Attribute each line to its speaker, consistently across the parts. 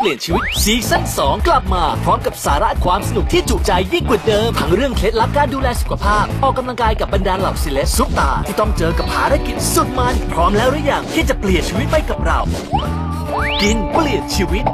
Speaker 1: ปลี่ยนชีวิตซีซั่น2กลับมาพร้อมกับสาระความสนุกที่จุใจยิ่งกว่าเดิมทั้งเรื่องเคล็ดลับการดูแลสุขภาพออกกำลังกายกับบรรดาเหล่าเซเลบซุปตาที่ต้องเจอกับภารกิจสุดมันพร้อมแล้วหรือยังที่จะเปลี่ยนชีวิตไปกับเรากินเปลี่ยนชีวิต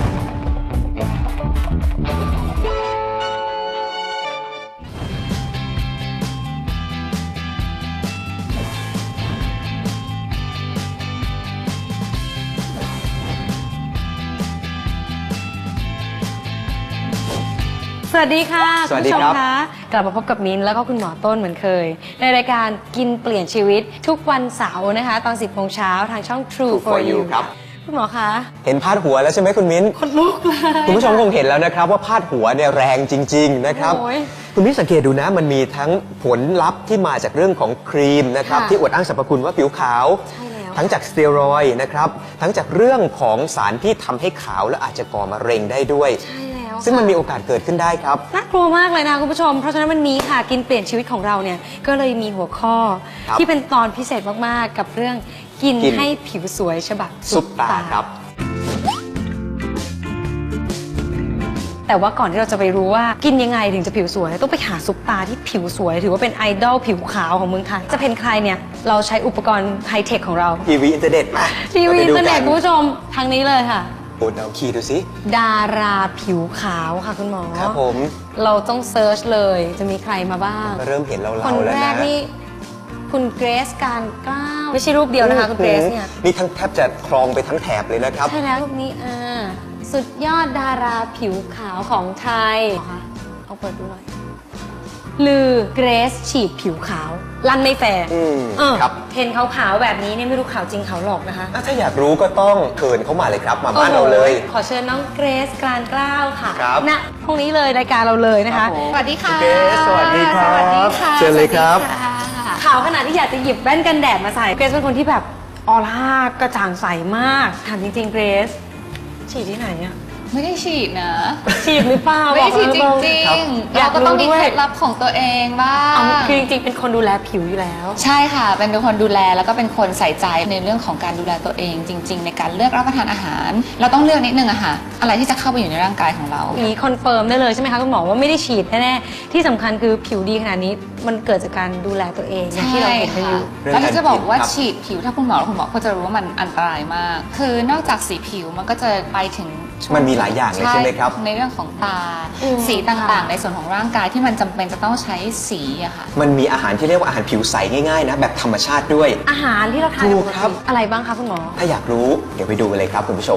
Speaker 2: สวัสดีค่ะ
Speaker 3: สวัสดีครับ
Speaker 2: ณผู้ชมคะกลับมาพบกับมิ้นแล้วก็คุณหมอต้นเหมือนเคยในรายการกินเปลี่ยนชีวิตทุกวันเสาร์นะคะตอน 10 โมงเช้าทางช่อง True for You
Speaker 3: ครับ
Speaker 2: คุณหมอคะ
Speaker 3: เห็นพาดหัวแล้วใช่ไหมคุณมิ้น
Speaker 2: คนลุกเลย
Speaker 3: คุณผู้ชมคงเห็นแล้วนะครับว่าพาดหัวเนี่ยแรงจริงๆนะครับ
Speaker 2: โอ้ย
Speaker 3: คุณมิ้นสังเกตดูนะมันมีทั้งผลลัพธ์ที่มาจากเรื่องของครีมนะครับ
Speaker 2: ค่ะ
Speaker 3: ที่อวดอ้างสรรพคุณว่าผิวขาว
Speaker 2: ใช่แล้ว
Speaker 3: ทั้งจากสเตียรอยด์นะครับทั้งจากเรื่องของสารที่ทำให้ขาวและอาจจะก่อมะเร็งได้ด้วย
Speaker 2: ใช่แล้ว
Speaker 3: ซึ่งมันมีโอกาสเกิดขึ้นได้ครับ
Speaker 2: น่ากลัวมากเลยนะคุณผู้ชมเพราะฉะนั้นวันนี้ค่ะกินเปลี่ยนชีวิตของเราเนี่ยก็เลยมีหัวข้อ
Speaker 3: ครับ
Speaker 2: ที่เป็นตอนพิเศษมากๆกับเรื่องกิน
Speaker 3: กิน
Speaker 2: ให้ผิวสวยฉบับ
Speaker 3: ซุปตาครับ
Speaker 2: แต่ว่าก่อนที่เราจะไปรู้ว่ากินยังไงถึงจะผิวสวยต้องไปหาซุปตาที่ผิวสวย ถือว่าเป็นไอดอลผิวขาวของเมืองไทยจะเป็นใครเนี่ยเราใช้อุปกรณ์ไฮเทคของเรา
Speaker 3: ทีวีอินเทอร์เน็ตมา
Speaker 2: ทีวีอินเทอร์เน็ต
Speaker 3: ราไป
Speaker 2: คุณ
Speaker 3: ดู
Speaker 2: ผู้ชมทางนี้เลยค่ะ
Speaker 3: โอ้เดาคีย์ดูสิ
Speaker 2: ดาราผิวขาวค่ะคุณหมอ
Speaker 3: ครับผม
Speaker 2: เราต้องเซิร์ชเลยจะมีใครมาบ้าง
Speaker 3: ก็เริ่มเห็นเรา
Speaker 2: คน
Speaker 3: แล้ว
Speaker 2: แร
Speaker 3: นะ
Speaker 2: กนี่คุณเกรซการกล้าวไม่ใช่รูปเดียวนะคะคุณเกรซเนี่ย
Speaker 3: นี่ทั้งแทบจะครองไปทั้งแถบเลยนะครับ
Speaker 2: ใช่แล้วรูปนี้สุดยอดดาราผิวขาวของไทยเอาเปิดดูหน่อยลือเกรซฉีดผิวขาวลั่นไม่แฟร์
Speaker 3: ครับ
Speaker 2: เห็นขาวๆแบบนี้เนี่ยไม่รู้ขาวจริงขาวหลอกนะคะ
Speaker 3: ถ้าอยากรู้ก็ต้องเชิญเข้ามาเลยครับ มาบ้านเราเลย
Speaker 2: ขอเชิญน้องเกรซการกล้าวค่ะ
Speaker 3: ครับ
Speaker 2: ณพรุ่งนี้เลยรายการเราเลยนะคะ
Speaker 3: ครับผม
Speaker 2: สวัสดีค่ะ
Speaker 3: เกรซสวัสดีครับ
Speaker 2: สวัสดีค่ะ
Speaker 3: เชิญเลยครับ
Speaker 2: สวัสดีค่ะขาวขนาดที่อยากจะหยิบแว่นกันแดดมาใส่เกรซเป็นคนที่แบบออร่ากระจ่างใสมากถามจริงๆเกรซฉีดที่ไหนอะ
Speaker 4: ไม่ได้ฉีดนะ
Speaker 2: ฉีดหรือเปล่า
Speaker 4: ไม่ได้ฉีดจ
Speaker 2: บอกมา
Speaker 4: ริ
Speaker 2: ต
Speaker 4: ง
Speaker 2: ๆ
Speaker 4: ๆเราก็ต้องมี
Speaker 2: ยากรู้ด้วย
Speaker 4: เคล็ดลับของตัวเองบ้าง
Speaker 2: คือจริงๆเป็นคนดูแลผิวอยู่แล้ว
Speaker 4: ใช่ค่ะ เป็นคนดูแลแล้วก็เป็นคนใส่ใจในเรื่องของการดูแลตัวเอง จริง ๆ ในการเลือกรับประทานอาหาร เราต้องเลือกนิดนึงอะค่ะอะไรที่จะเข้าไปอยู่ในร่างกายของเรา
Speaker 2: นี้คอนเฟิร์มได้เลยใช่ไหมคะคุณหมอว่าไม่ได้ฉีดแน่ๆที่สำคัญคือผิวดีขนาดนี้มันเกิดจากการดูแลตัวเองอย่างที่เราเห็นกันอยู่
Speaker 3: เรื่อง
Speaker 4: แล้วถ้าจะบอกว่า
Speaker 3: การกินครับ
Speaker 4: ฉีดผิวถ้าคุณหมอก็จะรู้ว่ามันอันตรายมาก คือนอกจากสีผิวมันก็จะไปถึงช่วง
Speaker 3: มันมีหลายอย่างเลยใช่ไหมครับ
Speaker 4: ในเรื่องของตา
Speaker 2: อืม
Speaker 4: สีต่าง
Speaker 2: ค่ะ
Speaker 4: ๆ ในส่วนของร่างกายที่มันจำเป็นจะต้องใช้สีอะค่ะ
Speaker 3: มันมีอาหารที่เรียกว่าอาหารผิวใสง่ายๆนะแบบธรรมชาติด้วย
Speaker 2: อาหารที่เราทาน
Speaker 3: ถู
Speaker 2: ป
Speaker 3: ก
Speaker 2: ก
Speaker 3: ครับ
Speaker 2: ติอะไรบ้างคะคุณหมอ
Speaker 3: ถ้าอยากรู้เดี๋ยวไปดูกันเลยครับคุณผู้ชม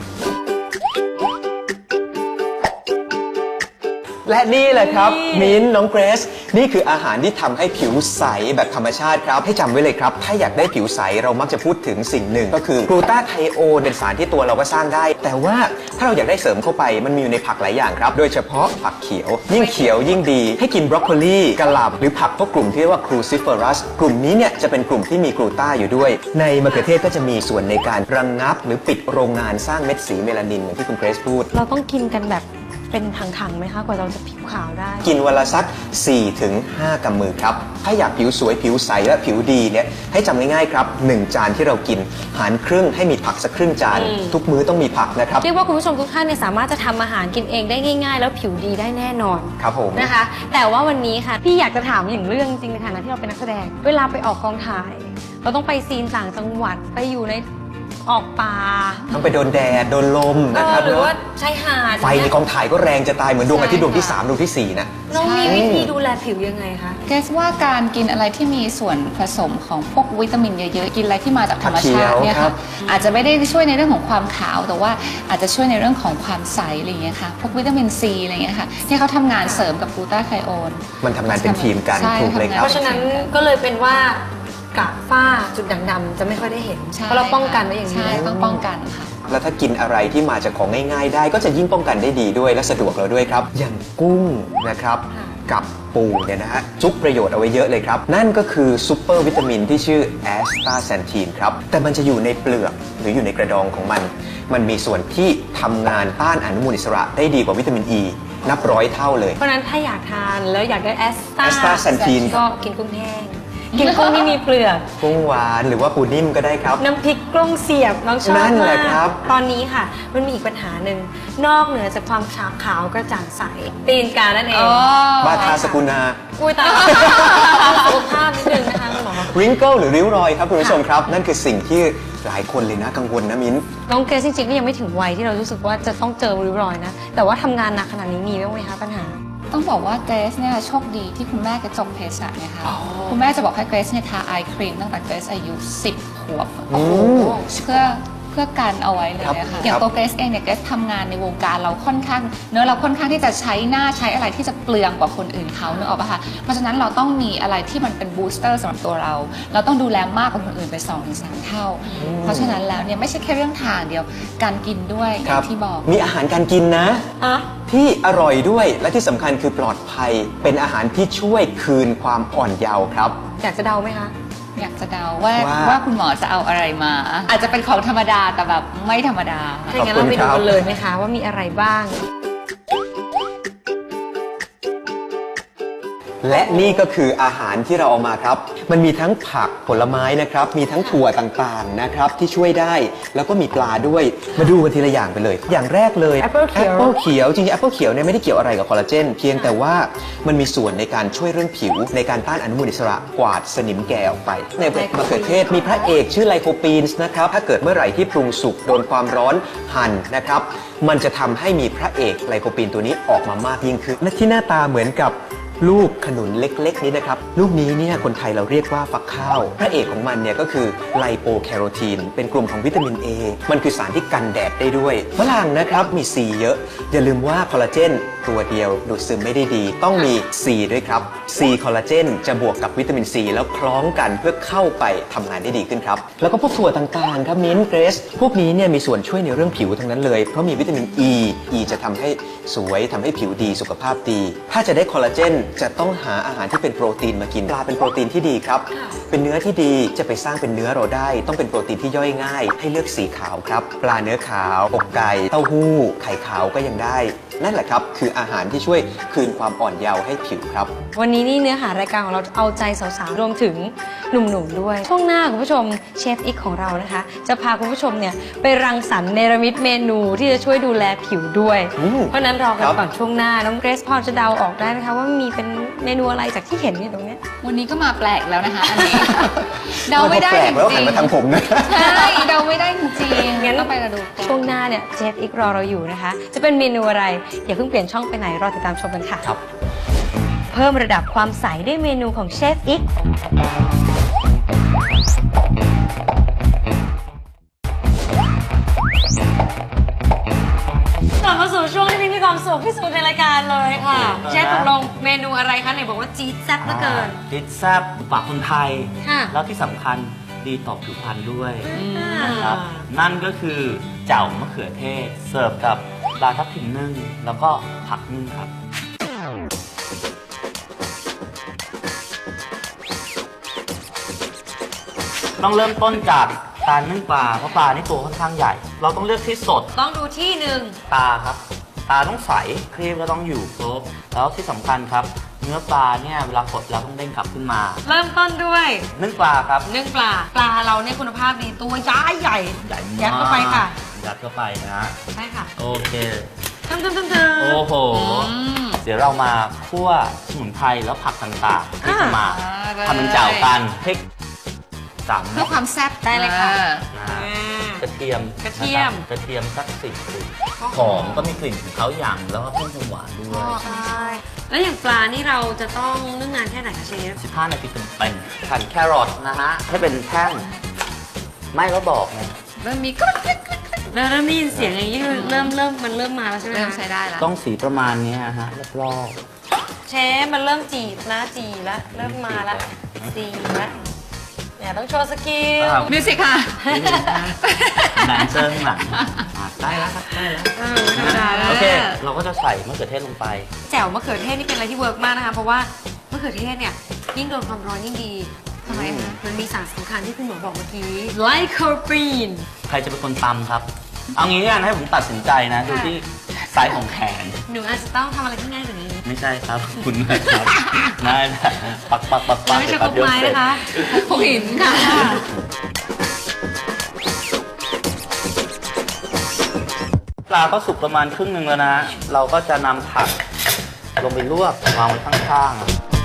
Speaker 3: และนี่แหละครับ มิ้นท์น้องเกรซนี่คืออาหารที่ทำให้ผิวใสแบบธรรมชาติครับให้จำไว้เลยครับ ถ้าอยากได้ผิวใสเรามักจะพูดถึงสิ่งหนึ่ง ก็คือกลูตาไทโอนเป็นสารที่ตัวเราก็สร้างได้ แต่ว่าถ้าเราอยากได้เสริมเข้าไปมันมีอยู่ในผักหลายอย่างครับ โดยเฉพาะผักเขียว ยิ่งเขียวยิ่งดี ให้กินบรอกโคลีกะหล่ำหรือผักพวกกลุ่มที่เรียกว่าครูซิเฟอรัสกลุ่มนี้เนี่ยจะเป็นกลุ่มที่มีกลูตาอยู่ด้วย ในมะเขือเทศก็จะมีส่วนในการระงงับ หรือปิดโรงงานสร้างเม็ดสีเมลานินเหมือนที่คุณเกรซพูด
Speaker 2: เราต้องกินกันแบบเป็นถังๆไหมคะกว่าเราจะผิวขาวได้
Speaker 3: กินวันละสัก 4-5 กำมือครับ ถ้าอยากผิวสวยผิวใสและผิวดีเนี่ยให้จำง่ายๆครับ 1 จานที่เรากินหารครึ่งให้มีผักสักครึ่งจาน ทุกมื้อต้องมีผักนะครับ
Speaker 2: เรียกว่าคุณผู้ชมทุกท่านเนี่ยสามารถจะทำอาหารกินเองได้ง่าย ๆ แล้วผิวดีได้แน่นอน
Speaker 3: ครับผม
Speaker 2: นะคะ แต่ว่าวันนี้ค่ะพี่อยากจะถามอย่างเรื่องจริงในฐานะที่เราเป็นนักแสดง เวลาไปออกกองถ่าย เราต้องไปซีนต่างจังหวัดไปอยู่ในออกป่า
Speaker 3: ต้องไปโดนแดดโดนลมนะครับ
Speaker 2: หรือ
Speaker 3: เนาะ
Speaker 2: ว่าชายหาด
Speaker 3: ไฟในกองถ่ายก็แรงจะตายเหมือนดวงอาทิตย์ดวงที่ 3 ดวงที่ 4 นะ
Speaker 2: น้องมีวิธีดูแลผิวยังไงคะ
Speaker 4: เกรซว่าการกินอะไรที่มีส่วนผสมของพวกวิตามินเยอะๆ กินอะไรที่มาจากธรรมชาติเนี่ย
Speaker 3: ครั
Speaker 4: ค่ะ
Speaker 3: บ
Speaker 4: อาจจะไม่ได้ช่วยในเรื่องของความขาว แต่ว่าอาจจะช่วยในเรื่องของความใสอะไรอย่างเงี้ยค่ะ พวกวิตามินซีอะไรอย่างเงี้ยค่ะที่เขาทำงานเสริมกับกลูตาไทโอน
Speaker 3: มันทำงานเป็นทีมกัน
Speaker 4: ใช่
Speaker 3: ถูกเลยครับ
Speaker 2: เพราะฉะนั้นก็เลยเป็นว่ากระฝ้าจุดด่างดำจะไม่ค่อยได้เห็น
Speaker 4: ใช่
Speaker 2: เพราะเราป้องกันไว้อย่างนี้
Speaker 4: ใช่ต้องป้องกันค่ะ
Speaker 3: แล้วถ้ากินอะไรที่มาจากของง่ายๆ ได้ก็จะยิ่งป้องกันได้ดีด้วยและสะดวกเราด้วยครับ อย่างกุ้งนะครับ
Speaker 2: ค่ะ
Speaker 3: กับปูเนี่ยนะฮะซุปประโยชน์เอาไว้เยอะเลยครับ นั่นก็คือซูเปอร์วิตามินที่ชื่อแอสตาแซนทีนครับ แต่มันจะอยู่ในเปลือกหรืออยู่ในกระดองของมัน มันมีส่วนที่ทำงานต้านอนุมูลอิสระได้ดีกว่าวิตามินอ e, นับร้อยเท่าเลย
Speaker 2: เพราะฉะนั้นถ้าอยากทานแล้วอยากได้แอสตา
Speaker 3: Astaxanthin
Speaker 2: ก็กินกุ้งแห้งกินกุ้งที่มีเปลือก
Speaker 3: กุ้งหวานหรือว่าปูนิ่มก็ได้ครับ
Speaker 2: น้ำพริกกล้องเสียบน้องชอบ
Speaker 3: นั่นแห
Speaker 2: มา
Speaker 3: ละ
Speaker 2: ก
Speaker 3: ครับ
Speaker 2: ตอนนี้ค่ะ มันมีอีกปัญหาหนึ่งนอกเหนือจากความขาวกระจ่างใสตีนกานั่นเอง
Speaker 3: บาทาสกุณา
Speaker 2: อุ้ยตายสุขภาพนิดนึงนะคะคุณหมอ
Speaker 3: ริงเกิลหรือริ้วรอยครับคุณผู้ชมครับ นั่นคือสิ่งที่หลายคนเลยนะกังวลนะมิ้น
Speaker 2: น้องเกรซจริงๆก็ยังไม่ถึงวัยที่เรารู้สึกว่าจะต้องเจอริ้วรอยนะ แต่ว่าทำงานหนักขนาดนี้มีบ้างไหมคะปัญหา
Speaker 4: ต้องบอกว่าเกรซเนี่ยโชคดีที่คุณแม่แกจบเภสัชเนี่ยค่ะคุณแม่จะบอกให้เกรซเนี่ยทาไอครีมตั้งแต่เกรซอายุ 10 ขวบเพื่อกันเอาไว้เลย
Speaker 3: ครับ
Speaker 4: ค่ะอย่างตัวเกรซเองเนี่ยเกรซทำงานในวงการเราค่อนข้างเราค่อนข้างที่จะใช้หน้าใช้อะไรที่จะเปลืองกว่าคนอื่นเขาเนอะออกปะคะเพราะฉะนั้นเราต้องมีอะไรที่มันเป็นบูสเตอร์สำหรับตัวเราต้องดูแลมากกว่าคนอื่นไป 2-3 เท่า เพราะฉะนั้นแล้วเนี่ยไม่ใช่แค่เรื่องทางเดียวการกินด้วยอ
Speaker 3: ครั
Speaker 4: ย่า
Speaker 3: บ
Speaker 4: งที่บอก
Speaker 3: มีอาหารการกินนะ
Speaker 2: อ่ะ
Speaker 3: ที่อร่อยด้วยและที่สำคัญคือปลอดภัย เป็นอาหารที่ช่วยคืนความอ่อนเยาว์ครับ
Speaker 2: อยากจะเดาไหมคะ
Speaker 4: อยากจะเดาว่า
Speaker 3: ว่า
Speaker 4: คุณหมอจะเอาอะไรมา อาจจะเป็นของธรรมดาแต่แบบไม่ธรรมดา
Speaker 2: ถ้าอย่างนั้นเราไปดูกันเลยไหมคะว่ามีอะไรบ้าง
Speaker 3: และนี่ก็คืออาหารที่เราเอามาครับ มันมีทั้งผักผลไม้นะครับ มีทั้งถั่วต่างๆนะครับที่ช่วยได้ แล้วก็มีปลาด้วย มาดูกันทีละอย่างไปเลย อย่างแรกเลย
Speaker 2: Apple เขียว
Speaker 3: Apple เขียวจริงๆ Apple เขียวเนี่ยไม่ได้เกี่ยวอะไรกับคอลลาเจน เพียงแต่ว่ามันมีส่วนในการช่วยเรื่องผิว ในการต้านอนุมูลอิสระกวาดสนิมแก่ออกไป ในมะเขือเทศมีพระเอกชื่อไลโคปีนส์นะครับ ถ้าเกิดเมื่อไหร่ที่ปรุงสุกโดนความร้อนหั่นนะครับ มันจะทำให้มีพระเอกไลโคปีนตัวนี้ออกมามากยิ่งขึ้นและที่หน้าตาเหมือนกับลูกขนุนเล็กๆนี้นะครับลูกนี้เนี่ยคนไทยเราเรียกว่าฟักข้าวพระเอกของมันเนี่ยก็คือไลโปแคโรทีนเป็นกลุ่มของวิตามิน A มันคือสารที่กันแดดได้ด้วยฝรั่งนะครับมี C เยอะ อย่าลืมว่าคอลลาเจนตัวเดียวดูดซึมไม่ได้ดี ต้องมี C ด้วยครับ C คอลลาเจนจะบวกกับวิตามิน C แล้วคล้องกันเพื่อเข้าไปทำงานได้ดีขึ้นครับแล้วก็พวกถั่วต่างๆครับมิ้นเกรซพวกนี้เนี่ยมีส่วนช่วยในเรื่องผิวทั้งนั้นเลยเพราะมีวิตามิน E จะทำให้สวยทำให้ผิวดีสุขภาพดีถ้าจะได้คอลลาเจนจะต้องหาอาหารที่เป็นโปรตีนมากินปลาเป็นโปรตีนที่ดีครับเป็นเนื้อที่ดีจะไปสร้างเป็นเนื้อเราได้ต้องเป็นโปรตีนที่ย่อยง่ายให้เลือกสีขาวครับปลาเนื้อขาวอกไก่เต้าหู้ไข่ขาวก็ยังได้นั่นแหละครับคืออาหารที่ช่วยคืนความอ่อนเยาว์ให้ผิวครับ
Speaker 2: วันนี้นี่เนื้อหารายการของเราเอาใจสาวๆรวมถึงหนุ่มๆด้วย ช่วงหน้าคุณผู้ชมเชฟอีกของเรานะคะ จะพาคุณผู้ชมเนี่ยไปรังสรรค์เนรมิตเมนูที่จะช่วยดูแลผิวด้วย เพราะฉะนั้นรอกันก่อนช่วงหน้าน้องเกรซพอจะเดาออกได้ไหมคะว่ามีเป็นเมนูอะไรจากที่เห็นอยู่ตรงเนี้ย
Speaker 4: วันนี้ก็มาแปลกแล้วนะคะอันนี้ เดาไม่ได้
Speaker 3: แปล
Speaker 4: จ
Speaker 3: กแล้ว
Speaker 4: ริ
Speaker 3: หัน
Speaker 4: ง
Speaker 3: มาทางผมนะ
Speaker 4: ๆใช่เดาไม่ได้จริงๆ
Speaker 2: งั้น
Speaker 4: ต้องไปกระดูก
Speaker 2: ช่วงหน้าเนี่ยเชฟอีกรอเราอยู่นะคะ จะเป็นเมนูอะไรอย่าเพิ่งเปลี่ยนช่องไปไหนรอติดตามชมกันค่ะ
Speaker 3: ครับ
Speaker 2: เพิ่มระดับความใสด้วยเมนูของเชฟอีกกลับมาสู่ช่วงที่มีความสุขที่สุดในรายการเลยค่ะเชฟตกลงเมนูอะไรคะไหนบอกว่าจี๊ดแซ่บเหลือเกิน
Speaker 5: ดิแซ่บปากคนไทย
Speaker 2: ค่ะ
Speaker 5: แล้วที่สำคัญดีต่อผิวพรรณด้วยนะครับนั่นก็คือแจ่วมะเขือเทศ เสิร์ฟกับปลาทับทิมนึ่งแล้วก็ผักนึ่งครับ ต้องเริ่มต้นจากการนึ่งปลาเพราะปลานี่ตัวค่อนข้างใหญ่ เราต้องเลือกที่สด
Speaker 2: ต้องดูที่หนึ่ง
Speaker 5: ตาครับ ตาต้องใสครีมก็ต้องอยู่ครบแล้วที่สำคัญครับ เนื้อปลาเนี่ยเวลากดแล้วต้องเด้งกลับขึ้นมา
Speaker 2: เริ่มต้นด้วย
Speaker 5: นึ่งปลาครับ
Speaker 2: นึ่งปลาเราเนี่ยคุณภาพดีตัวย้ายใหญ่
Speaker 5: ใหญ่มาก
Speaker 2: ยัดเข้าไปค่ะ
Speaker 5: ยัดเข้าไปนะ
Speaker 2: ใช่ค่ะ
Speaker 5: โอเค
Speaker 2: ทำ
Speaker 5: โอ้โห เดี๋ยวเรามาคั่วสมุนไพรแล้วผักต่างๆที่จะมาทำเป็นแจ่วกันพริก3
Speaker 4: เพื่อความแซ่บ
Speaker 2: ได้เลยค่ะ
Speaker 5: นะกระเทียม
Speaker 2: กระเทียม
Speaker 5: นะครับกระเทียมสัก10 กลิ่นหอมก็มีกลิ่นของเขาอย่างแล้วก็เพิ่มความหวานด้วย
Speaker 2: ใช่ แล้วอย่างปลานี่เราจะต้องนึ่งนานแค่ไหนคะเชฟ
Speaker 5: 15 นาทีเต็มๆหั่นแครอทนะฮะให้เป็นแท่งไม่ก็บอกไง
Speaker 4: เริ่มมีกรึ๊กกรึ๊กกรึ๊ก
Speaker 2: แล้วได้ยินเสียงอย่างนี้คือเริ่มมันเริ่มมาแล้วใช่ไหม
Speaker 4: เริ่ม
Speaker 2: คะ
Speaker 4: ใช้ได้แล้ว
Speaker 5: ต้องสีประมาณนี้ฮะรอบ
Speaker 2: เชฟมันเริ่มจีบนะจีแล้วเริ่มมาแล้วจีแล้วเนี่ยต้องโชว์สกิล
Speaker 4: มิวสิกค่ะ
Speaker 5: ๆแดนเซอร์ข้างหลังได้แล้วครับได้แล้ว
Speaker 2: ไม่ธรรมดาแล้ว
Speaker 5: โอเค เราก็จะใส่มะเขือเทศลงไป
Speaker 2: แจ่วมะเขือเทศนี่เป็นอะไรที่เวิร์กมากนะคะ เพราะว่ามะเขือเทศเนี่ยยิ่งโดนความร้อนยิ่งดีทำไมคะมันมีสารสำคัญที่คุณหมอบอกเมื่อกี้ไลโคปีน
Speaker 5: ใครจะเป็นคนตำครับ เอางี้กันให้ผมตัดสินใจนะ ดูที่ไซส์ของแขน
Speaker 2: หนูอาจจะต้องทำอะไรที่ง่ายกว่านี้
Speaker 5: ไม่ใช่ครับคุณนะครับได้แหละปักปักปักปัก
Speaker 2: ไม่ใช่พกไม้นะคะ
Speaker 4: พกหินค่ะ
Speaker 5: ปลาก็สุกประมาณครึ่งหนึ่งแล้วนะ เราก็จะนำผักลงไปลวกวางไว้ข้างๆ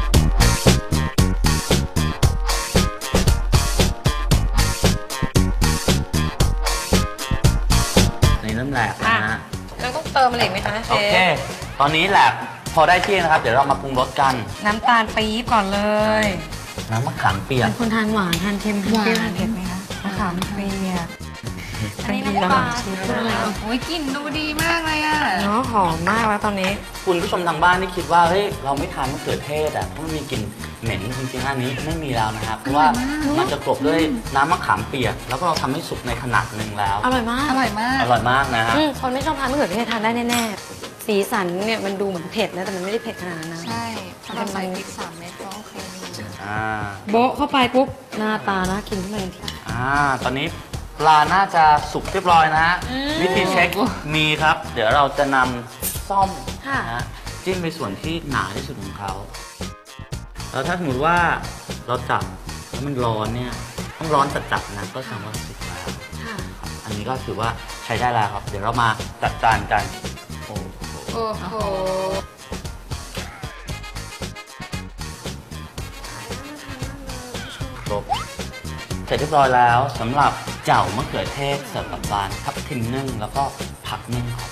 Speaker 5: นี่เริ่มแหลกแล้วนะ
Speaker 2: เราต้องเติมอะไรอีกไหมคะเช
Speaker 5: โอเค
Speaker 2: ฟ
Speaker 5: ตอนนี้แหลกพอได้ที่นะครับ เดี๋ยวเรามาปรุงรสกัน
Speaker 2: น้ำตาลปี๊บก่อนเลย
Speaker 5: น้ำมะขามเปียก
Speaker 2: เป็นคนทานหวานทานเค็มทานเปรี้ยวทานเผ็ดไหมคะมะขามเปียกอันนี้น้ำปลาคืออะไร
Speaker 4: โอ้ยกลิ่นดูดีมากเลยอ่ะ
Speaker 2: เนาะหอมมากแล้วตอนนี้
Speaker 5: คุณผู้ชมทางบ้านที่คิดว่าเฮ้ยเราไม่ทานมะเขือเทศอ่ะเพราะมันมีกลิ่นเหม็นจริงๆอันนี้ไม่มีแล้วนะครับ เพราะว่ามันจะกลบด้วยน้ำมะขามเปียก แล้วก็เราทำให้สุกในขนาดหนึ่งแล้ว
Speaker 2: อร่อยมาก
Speaker 4: อร่อยมาก
Speaker 5: อร่อยมากนะฮะ
Speaker 2: คนไม่ชอบทานมะเขือเทศทานได้แน่ๆสีสันเนี่ยมันดูเหมือนเผ็ดนะแต่มันไม่ได้เผ็ดขนาดนั้นนะ
Speaker 4: ใช่ถ้าเราใส่พริก3 เม็ดก็โอเคอยู่
Speaker 5: อ่า
Speaker 2: โบ๊ะเข้าไปปุ๊บหน้าตาน่ากินขึ้นมาทันที
Speaker 5: ตอนนี้ปลาน่าจะสุกเรียบร้อยนะฮะ วิธีเช็คมีครับ เดี๋ยวเราจะนำซ่อมนะฮะจิ้มไปส่วนที่หนาที่สุดของเขาแล้วถ้าสมมติว่าเราจับแล้วมันร้อนเนี่ยต้องร้อนจัดๆนะก็แสดงว่าสุกแล้ว
Speaker 2: ค่ะ
Speaker 5: อันนี้ก็ถือว่าใช้ได้แล้วครับ เดี๋ยวเรามาจัดจานกันโอ้โห
Speaker 2: โอ้โห
Speaker 5: ครบเสร็จเรียบร้อยแล้วสำหรับเจ่ามะเขือเทศเสิร์ฟกับปลาทับทิมนึ่งแล้วก็ผักนึ่งครับ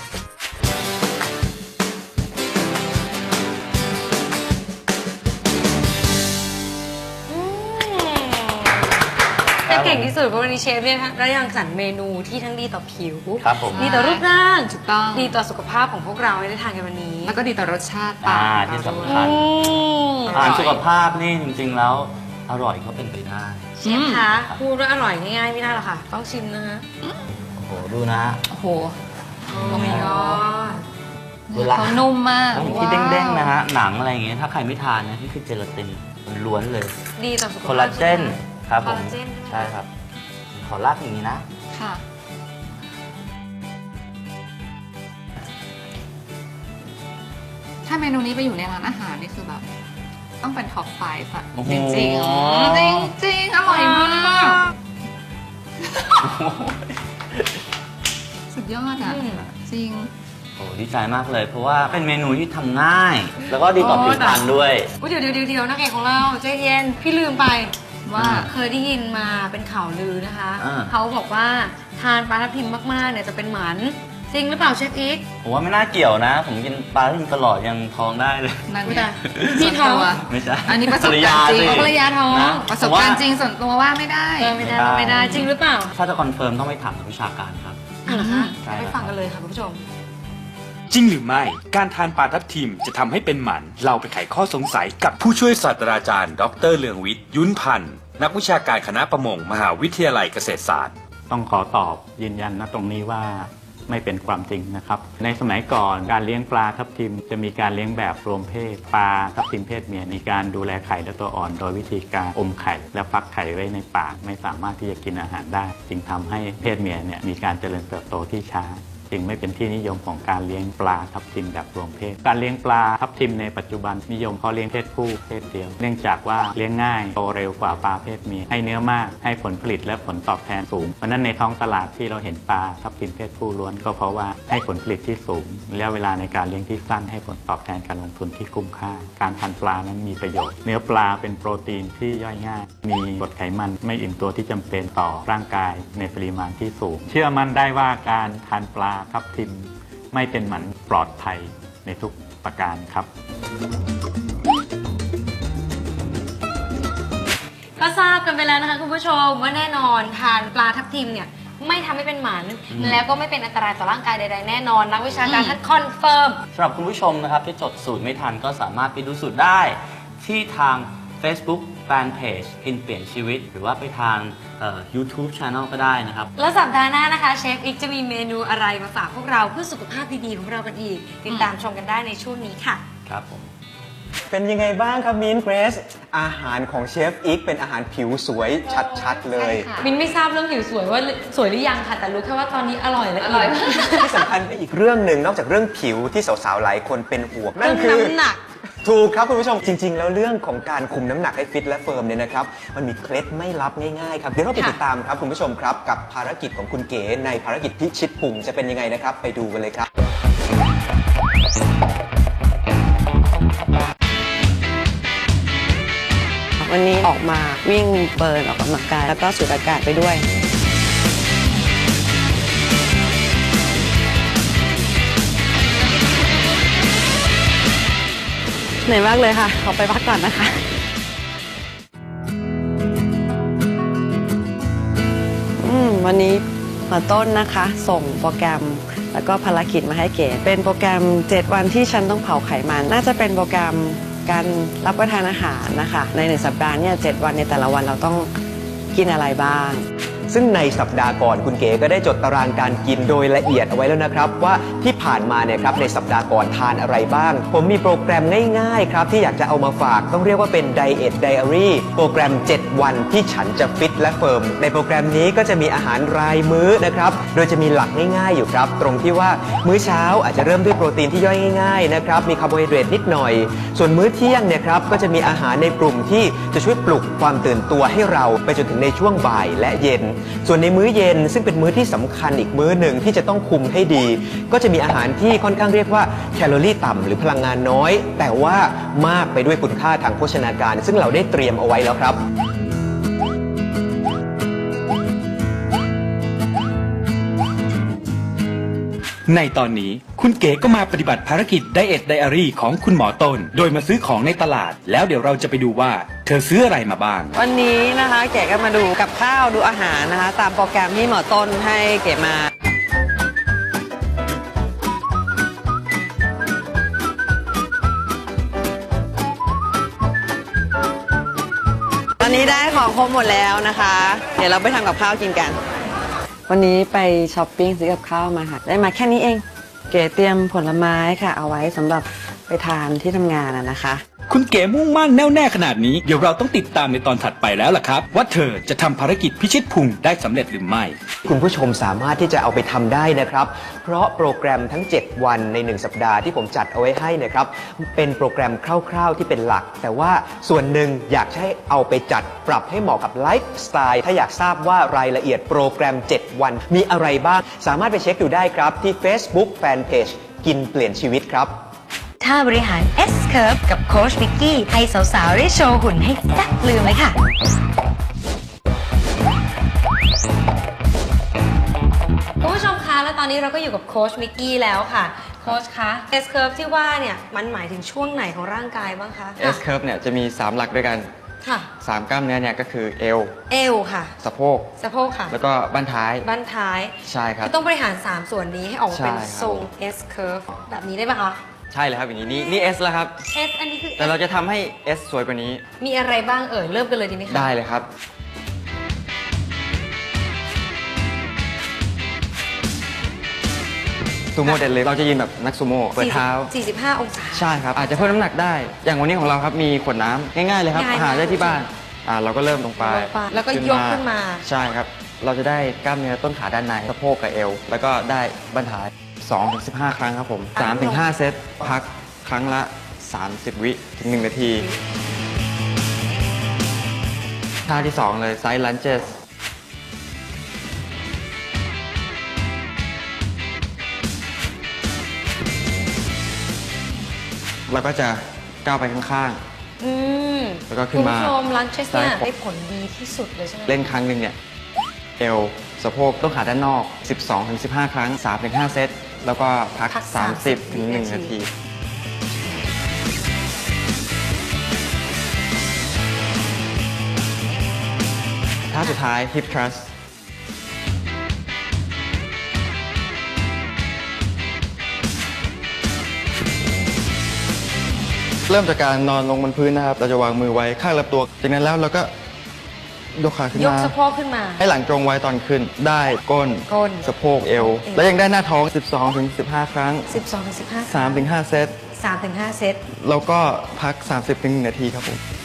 Speaker 2: แต่เก่งที่สุดเพราะวันนี้เชฟเนี่ยนะคะได้รังสรรค์เมนูที่ทั้งดีต่อผิว
Speaker 5: ครับผม
Speaker 2: ดีต่อรูปร่าง
Speaker 4: ถูกต้อง
Speaker 2: ดีต่อสุขภาพของพวกเราให้ได้ทานกันวันนี้
Speaker 4: แล้วก็ดีต่อรสชาติปลา
Speaker 5: ที่สำ
Speaker 2: อื
Speaker 5: คัญ
Speaker 2: ม
Speaker 5: อาหารสุขภาพนี่จริงๆแล้วอร่อยก็เป็นไปได้
Speaker 2: เชฟคะพูดว่าอร่อยง่ายๆไม่ได้หรอกค่ะ ต้องชิมนะฮะ
Speaker 5: โอ้โหดูนะ
Speaker 4: โอ้โห
Speaker 2: โอ้ my god
Speaker 5: เวลา
Speaker 4: เขานุ่มมาก
Speaker 5: แล้วที่เด้งๆนะฮะหนังอะไรอย่างเงี้ยถ้าใครไม่ทานนะนี่คือเจลาตินล้วนเลย
Speaker 2: ดีต่อสุขภาพ
Speaker 5: คอลลาเจนครับผม
Speaker 2: คอลลาเจนใช่ไหม
Speaker 5: ใช่ครับ ขอลากอย่างนี้นะ
Speaker 4: ค่ะ ถ้าเมนูนี้ไปอยู่ในร้านอาหารนี่คือแบบ ต้องเป็นท็อป5อะ
Speaker 5: โอ้โห
Speaker 4: จริงๆจริงๆอร่อยมากสุดยอดอ่ะ จริง
Speaker 5: โอ้ดีใจมากเลย เพราะว่าเป็นเมนูที่ทำง่าย แล้วก็ดีต่อผิวพรรณด้วย
Speaker 2: อุ๊ยเดี๋ยวนักเอกของเราใจเย็นพี่ลืมไป
Speaker 4: ว่า
Speaker 2: เคยได้ยินมาเป็นข่าวลือนะคะ
Speaker 5: อ่า
Speaker 2: เขาบอกว่าทานปลาทับทิมมากๆเนี่ยจะเป็นหมันจริงหรือเปล่าเชฟอีก
Speaker 5: ผมว่าไม่น่าเกี่ยวนะ ผมกินปลาที่ตลอดยังท้องได้เลย
Speaker 4: นั่น
Speaker 2: อุ๊ย
Speaker 4: ไง
Speaker 2: ตายพี่ท้อง
Speaker 5: ไม่ใช่
Speaker 4: อันนี้ประสบการณ์จริง
Speaker 2: ภรรยาท้อง
Speaker 5: นะ
Speaker 4: ประสบการณ์จริงส่วนตัวว่าไม่ได้
Speaker 2: ไม่ได้จริงหรือเปล่า
Speaker 5: ถ้าจะคอนเฟิร์มต้องไปถามนักวิชาการครับ
Speaker 2: อ่ะเหรอคะ
Speaker 5: ใช่
Speaker 2: ไป
Speaker 5: ครับ
Speaker 2: ฟังกันเลยค่ะคุณผู้ชม
Speaker 6: จริงหรือไม่ การทานปลาทับทิมจะทำให้เป็นหมัน เราไปไขข้อสงสัยกับผู้ช่วยศาสตราจารย์ ดรเลืองวิทย์ ยุ้นพันธ์ นักวิชาการคณะประมง มหาวิทยาลัยเกษตรศาสตร์
Speaker 7: ต้องขอตอบยืนยันณตรงนี้ว่าไม่เป็นความจริงนะครับ ในสมัยก่อนการเลี้ยงปลาทับทิมจะมีการเลี้ยงแบบรวมเพศ ปลาทับทิมเพศเมียมีการดูแลไข่และตัวอ่อน โดยวิธีการอมไข่และฟักไข่ไว้ในปากไม่สามารถที่จะกินอาหารได้ จึงทำให้เพศเมียเนี่ยมีการเจริญเติบโตที่ช้า จึงไม่เป็นที่นิยมของการเลี้ยงปลาทับทิมแบบรวมเพศ การเลี้ยงปลาทับทิมในปัจจุบันนิยมเพาะเลี้ยงเพศผู้เพศเดียว เนื่องจากว่าเลี้ยงง่ายโตเร็วกว่าปลาเพศเมียให้เนื้อมากให้ผลผลิตและผลตอบแทนสูง เพราะฉะนั้นในท้องตลาดที่เราเห็นปลาทับทิมเพศผู้ล้วนก็เพราะว่าให้ผลผลิตที่สูงระยะเวลาในการเลี้ยงที่สั้นให้ผลตอบแทนการลงทุนที่คุ้มค่า การทานปลานั้นมีประโยชน์ เนื้อปลาเป็นโปรตีนที่ย่อยง่าย มีกรดไขมันไม่อิ่มตัวที่จำเป็นต่อร่างกายในปริมาณที่สูง เชื่อมั่นได้ว่าการทานปลาทับทิมไม่เป็นหมันปลอดภัยในทุกประการครับ
Speaker 2: ก็ทราบกันไปแล้วนะคะคุณผู้ชมว่าแน่นอนทานปลาทับทิมเนี่ยไม่ทำให้เป็นหมันแล้วก็ไม่เป็นอันตรายต่อร่างกายใดๆแน่นอนนักวิชาการท่านคอนเฟิร์ม
Speaker 5: สำหรับคุณผู้ชมนะครับที่จดสูตรไม่ทันก็สามารถไปดูสูตรได้ ที่ทาง Facebook Fanpage อินเปลี่ยนชีวิต หรือว่าไปทางYouTube Channel ก็ได้นะครับ
Speaker 2: แล้วสัปดาห์หน้านะคะเชฟอีกจะมีเมนูอะไรมาฝากพวกเราเพื่อสุขภาพดีๆของเรากันอีก ติดตามชมกันได้ในช่วงนี้ค่ะ
Speaker 5: ครับผม
Speaker 3: เป็นยังไงบ้างครับมิ้นเกรซอาหารของเชฟอิกเป็นอาหารผิวสวยชัดๆเลย
Speaker 4: ใช่ค่ะ
Speaker 2: มินไม่ทราบเรื่องผิวสวยว่าสวยหรือยังค่ะ แต่รู้แค่ว่าตอนนี้อร่อยและ
Speaker 4: อร่อย
Speaker 3: ที่สำคัญไปอีกเรื่องหนึ่งนอกจากเรื่องผิวที่สาวๆหลายคนเป็นห่วงนั่นคือ
Speaker 2: น้ำหนัก
Speaker 3: ถูกครับคุณผู้ชมจริง ๆ แล้วเรื่องของการคุมน้ำหนักให้ฟิตและเฟิร์มเนี่ยนะครับมันมีเคล็ดไม่ลับง่ายๆครับเดี๋ยวเราไปติดตามครับคุณผู้ชมครับกับภารกิจของคุณเก๋ในภารกิจพิชิตพุงจะเป็นยังไงนะครับไปดูกันเลยครับ
Speaker 8: วันนี้ออกมาวิ่งเบิร์นออกกำลังกายแล้วก็สูดอากาศไปด้วยเหนื่อยมากเลยค่ะขอไปพักก่อนนะคะวันนี้มาต้นนะคะส่งโปรแกรมแล้วก็ภารกิจมาให้เก๋เป็นโปรแกรม7วันที่ฉันต้องเผาไขมันน่าจะเป็นโปรแกรมการรับประทานอาหารนะคะใน1สัปดาห์เนี่ย7วันในแต่ละวันเราต้องกินอะไรบ้าง
Speaker 3: ซึ่งในสัปดาห์ก่อนคุณเก๋ก็ได้จดตารางการกินโดยละเอียดเอาไว้แล้วนะครับว่าที่ผ่านมาเนี่ยครับในสัปดาห์ก่อนทานอะไรบ้างผมมีโปรแกรมง่ายๆครับที่อยากจะเอามาฝากต้องเรียกว่าเป็น Diet Diary โปรแกรม7วันที่ฉันจะฟิตและเฟิร์มในโปรแกรมนี้ก็จะมีอาหารรายมื้อนะครับโดยจะมีหลักง่ายๆอยู่ครับตรงที่ว่ามื้อเช้าอาจจะเริ่มด้วยโปรตีนที่ย่อยง่ายๆนะครับมีคาร์โบไฮเดรตนิดหน่อยส่วนมื้อเที่ยงเนี่ยครับก็จะมีอาหารในกลุ่มที่จะช่วยปลุกความตื่นตัวให้เราไปจนถึงในช่วงบ่ายและเย็นส่วนในมื้อเย็นซึ่งเป็นมื้อที่สำคัญอีกมื้อหนึ่งที่จะต้องคุมให้ดีก็จะมีอาหารที่ค่อนข้างเรียกว่าแคลอรี่ต่ำหรือพลังงานน้อยแต่ว่ามากไปด้วยคุณค่าทางโภชนาการซึ่งเราได้เตรียมเอาไว้แล้วครับ
Speaker 6: ในตอนนี้คุณเก๋ก็มาปฏิบัติภารกิจ Diet Diary ของคุณหมอต้นโดยมาซื้อของในตลาดแล้วเดี๋ยวเราจะไปดูว่าเธอซื้ออะไรมาบ้าง
Speaker 8: วันนี้นะคะเก๋ก็มาดูกับข้าวดูอาหารนะคะตามโปรแกรมที่หมอต้นให้เก๋มาตอนนี้ได้ของครบหมดแล้วนะคะ เดี๋ยวเราไปทำกับข้าวกินกัน วันนี้ไปช้อปปิ้งซื้อกับข้าวมาค่ะได้มาแค่นี้เองเก๋เตรียมผลไม้ค่ะเอาไว้สำหรับไปทานที่ทำงานนะคะ
Speaker 6: คุณเก๋มุ่งมั่นแน่วแน่ขนาดนี้เดี๋ยวเราต้องติดตามในตอนถัดไปแล้วล่ะครับว่าเธอจะทำภารกิจพิชิตพุงได้สำเร็จหรือไม่
Speaker 3: คุณผู้ชมสามารถที่จะเอาไปทำได้นะครับเพราะโปรแกรมทั้ง7วันใน1สัปดาห์ที่ผมจัดเอาไว้ให้นะครับเป็นโปรแกรมคร่าวๆที่เป็นหลักแต่ว่าส่วนหนึ่งอยากให้เอาไปจัดปรับให้เหมาะกับไลฟ์สไตล์ถ้าอยากทราบว่ารายละเอียดโปรแกรม7วันมีอะไรบ้างสามารถไปเช็คดูได้ครับที่ Facebook Fanpage กินเปลี่ยนชีวิตครับ
Speaker 2: ท่าบริหาร S Curve กับโค้ชวิกกี้ให้สาวๆได้โชว์หุ่นให้แซ่บลืมเลยค่ะ คุณผู้ชมคะและตอนนี้เราก็อยู่กับโค้ชวิกกี้แล้วค่ะโค้ชคะ S Curve ที่ว่าเนี่ยมันหมายถึงช่วงไหนของร่างกายบ้างคะ
Speaker 9: S curve เนี่ยจะมี 3 หลักด้วยกัน
Speaker 2: ค่ะ
Speaker 9: 3 กล้ามเนื้อเนี่ยก็คือเอว
Speaker 2: เอวค่ะ
Speaker 9: สะโพก
Speaker 2: สะโพกค่ะ
Speaker 9: แล้วก็บั้นท้าย
Speaker 2: บั้นท้าย
Speaker 9: ใช่ครับ
Speaker 2: ก็ต้องบริหาร 3 ส่วนนี้ให้ออกมาเป็น
Speaker 9: ใช่ครับ
Speaker 2: ทรง S Curve แบบนี้ได้ปะคะ
Speaker 9: ใช่เลยครับอย่างนี้นี่ S แล้วครับ
Speaker 2: S อันนี้คือ
Speaker 9: แต่เราจะทำให้ S สวยกว่านี้
Speaker 2: มีอะไรบ้างเอ่ยเริ่มกันเลยดีไหมคะ
Speaker 9: ได้เลยครับซูโม่เดดลิฟต์เราจะยืนแบบนักซูโม่เปิดเท้า
Speaker 2: 45 องศา
Speaker 9: ใช่ครับอาจจะเพิ่มน้ำหนักได้ อย่างวันนี้ของเราครับมีขวดน้ำง่ายๆเลยครับ
Speaker 2: ง่ายมาก
Speaker 9: หาได้ที่บ้านเราก็เริ่มลงไป
Speaker 2: แล้วก็ยกขึ้นมา
Speaker 9: ใช่ครับเราจะได้กล้ามเนื้อต้นขาด้านในสะโพกกับเอวแล้วก็ได้บั้นท้าย 2-15 ครั้งครับผม 3-5 เซตพักครั้งละ 30 วิถึง 1 นาทีท่าที่ 2 เลยไซด์ลันเจสเราก็จะก้าวไปข้าง
Speaker 2: อืม
Speaker 9: แล้วก็ขึ้นมา
Speaker 2: คุณผู้ชมลันเชสเนี่ย
Speaker 9: ซ้ายขวา
Speaker 2: ได้ผลดีที่สุดเลยใช่ไหม
Speaker 9: ๆ เล่นครั้งหนึ่งเนี่ยเอวสะโพกต้นขาด้านนอก 12-15 ครั้ง 3-5 เซตแล้วก็พัก 30 ถึง 1 นาที ท่าสุดท้าย hip thrust เริ่มจากการนอนลงบนพื้นนะครับ เราจะวางมือไว้ข้างลำตัว จากนั้นแล้วเราก็ยกขาขึ้น
Speaker 2: ยก
Speaker 9: มา
Speaker 2: สะโพกขึ้นมา
Speaker 9: ให้หลังตรงไว้ตอนขึ้น ได้ก้น
Speaker 2: ก้น
Speaker 9: สะโพกเอว และยังได้หน้าท้อง 12-15 ครั้ง
Speaker 2: 12-15
Speaker 9: 3-5 เซต
Speaker 2: 3-5 เซต
Speaker 9: แล้วก็พัก 30-1 นาทีครับผม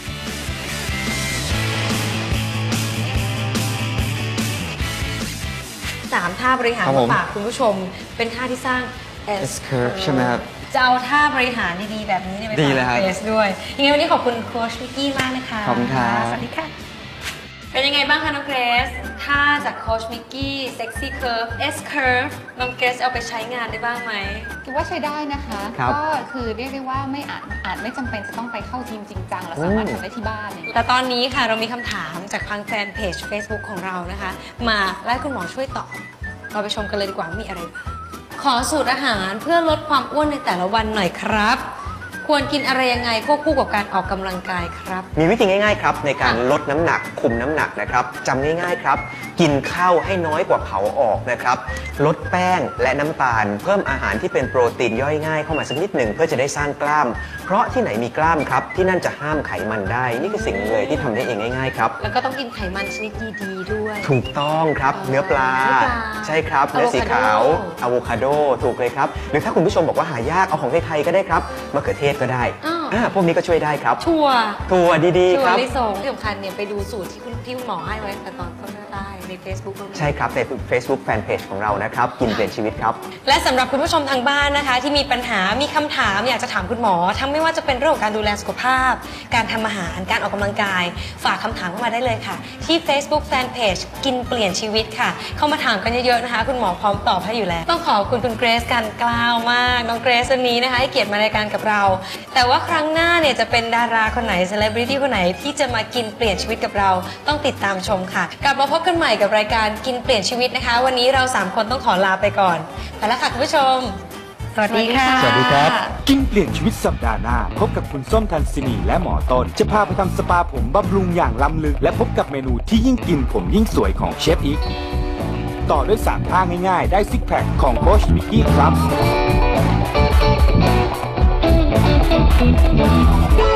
Speaker 2: 3 ท่าบริหาร
Speaker 9: ครับผม
Speaker 2: มาฝากคุณผู้ชม เป็นท่าที่สร้าง
Speaker 9: S curve ใช่ไหมครับ
Speaker 2: จะเอาท่าบริหารดีๆแบบนี้เนี่ยไป
Speaker 9: ดี
Speaker 2: ฝาก
Speaker 9: เลยครับ
Speaker 2: เกรซด้วยยังไงวันนี้ขอบคุณโค้ชมิกกี้มากนะคะ
Speaker 9: ขอบคุณครับ
Speaker 2: สวัสดีค่ะ เป็นยังไงบ้างคะน้องเกรซท่าจากโค้ชมิกกี้เซ็กซี่เคิร์ฟ S curve น้องเกรซเอาไปใช้งานได้บ้างไหม
Speaker 4: คิดว่าใช้ได้นะคะ
Speaker 3: ครับ
Speaker 4: ก็คือเรียกได้ว่าไม่อาจไม่จำเป็นจะต้องไปเข้าทีมจริงจังเราสามารถทำได้ที่บ้านเลย
Speaker 2: แต่ตอนนี้ค่ะเรามีคำถามจากทางแฟนเพจ Facebook ของเรานะคะ มาและให้คุณหมอช่วยตอบ เราไปชมกันเลยดีกว่าว่ามีอะไรบ้างขอสูตรอาหารเพื่อลดความอ้วนในแต่ละวันหน่อยครับ ควรกินอะไรยังไงควบคู่กับการออกกำลังกายครับ
Speaker 3: มีวิธีง่ายๆครับในการลดน้ำหนักคุมน้ำหนักนะครับจำง่ายๆครับ กินข้าวให้น้อยกว่าเผาออกนะครับลดแป้งและน้ำตาล เพิ่มอาหารที่เป็นโปรตีนย่อยง่ายเข้ามาสักนิดหนึ่งเพื่อจะได้สร้างกล้าม เพราะที่ไหนมีกล้ามครับที่นั่นจะห้ามไขมันได้ นี่คือสิ่งหนึ่งเลยที่ทำได้เองง่ายๆครับ
Speaker 2: แล้วก็ต้องกินไขมันชนิดดีๆด้วย
Speaker 3: ถูกต้องครับเนื้อปลา
Speaker 2: เนื้อปลา
Speaker 3: ใช่ครับเนื้อสีขาวอะโวคาโดถูกเลยครับหรือถ้าคุณผู้ชมบอกว่าหายากเอาของไทยๆก็ได้ครับมะเขือเทศก็ได้พวกนี้ก็ช่วยได้ครับ
Speaker 2: ถั่ว
Speaker 3: ถั่วดีๆ
Speaker 2: ถั่
Speaker 3: คว รับ
Speaker 2: ลิสงที่สำคัญเนี่ยไปดูสูตรที่คุณหมอให้ไว้แต่ตอนต้นได้ใน Facebook เรามี
Speaker 3: ใช่ครับใน Facebook Fanpage ของเรานะครับกินเปลี่ยนชีวิตครับ
Speaker 2: และสำหรับคุณผู้ชมทางบ้านนะคะ ที่มีปัญหามีคำถามอยากจะถามคุณหมอทั้งไม่ว่าจะเป็นเรื่องของการดูแลสุขภาพ การทำอาหารการออกกำลังกาย ฝากคำถามเข้ามาได้เลยค่ะ ที่ Facebook Fanpage กินเปลี่ยนชีวิตค่ะ เข้ามาถามกันเยอะๆนะคะ คุณหมอพร้อมตอบให้อยู่แล้ว ต้องขอบคุณคุณเกรซกันกล้าวมากน้องเกรซวันนี้นะคะให้เกียรติมารายการกับเรา แต่ว่าครั้งหน้าเนี่ยจะเป็นดาราคนไหนเซเลบริตี้คนไหนที่จะมากินเปลี่ยนชีวิตกับเราต้องติดตามชมค่ะกลับมาพบกันใหม่กับรายการกินเปลี่ยนชีวิตนะคะ วันนี้เรา3คนต้องขอลาไปก่อนไปแล้วค่ะคุณผู้ชมสวัสดีค่ะ
Speaker 6: สวัสดีครับ กินเปลี่ยนชีวิตสัปดาห์หน้า พบกับคุณส้มทันสินีและหมอต้น จะพาไปทำสปาผมบำรุงอย่างล้ำลึก และพบกับเมนูที่ยิ่งกินผมยิ่งสวยของเชฟอีก ต่อด้วย3ท่าง่ายๆ ได้ซิกแพคของโค้ชมิกกี้ครับ